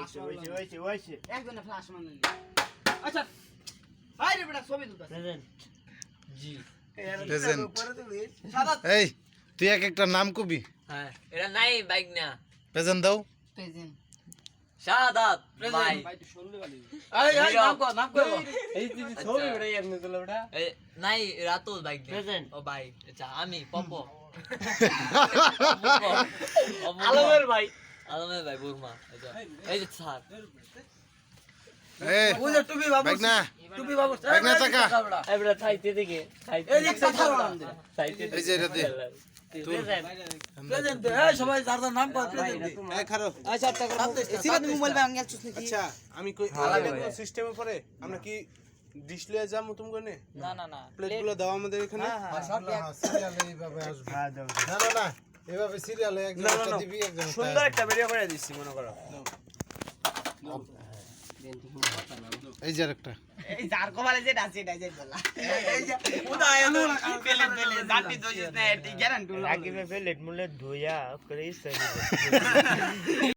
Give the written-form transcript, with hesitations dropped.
হইছে একজনে ফ্লাশ মারলি আচ্ছা হাই রে বেটা ছবি তুলতা প্রেজেন্ট জি প্রেজেন্ট সাদা এই তুই এক একটা নাম কবি হ্যাঁ এটা নাই বাইক না প্রেজেন্ট দাও প্রেজেন্ট শাহাদাত ভাই ভাই তুই শুনলে গালি এই নাম কর এই ছবি উড়াই আপনি তোলা ওটা নাই রাতো বাইক প্রেজেন্ট ও ভাই আচ্ছা আমি পপো আলমের ভাই বুরমা আচ্ছা এই যে স্যার এই ওই যে টুপি বাবু বাইক না টুপি বাবু বাইক না টাকা এবড়া থাইতে দেখে থাইতে এই যে কথা বলা থাইতে এই যে এটা দে প্রেজেন্ট এই সবাই যার যার নাম কর প্রেজেন্ট এই খারো আচ্ছা সিরাত মোবাইল ভাঙ গেল চুস নাকি আচ্ছা আমি কই সিস্টেমে পরে আমরা কি ডিশ লয়ে যাবো তুমি কোনে না না না প্লেটগুলো দাও আমাদের এখানে সিরিয়ালে এইভাবে আসবে না না না এইভাবে সিরিয়ালে একজন একটা দিবি একজন সুন্দর একটা ভিডিও করে দিচ্ছি মনে করো এই যে আরেকটা এই যার কপালে যেটা আছে এটাই যাই বলা এই যে উদা এলো পেলে জাতি দইছ না এটি গ্যারান্টি রাকিবে প্লেট মুলে ধুইয়া করে ইসে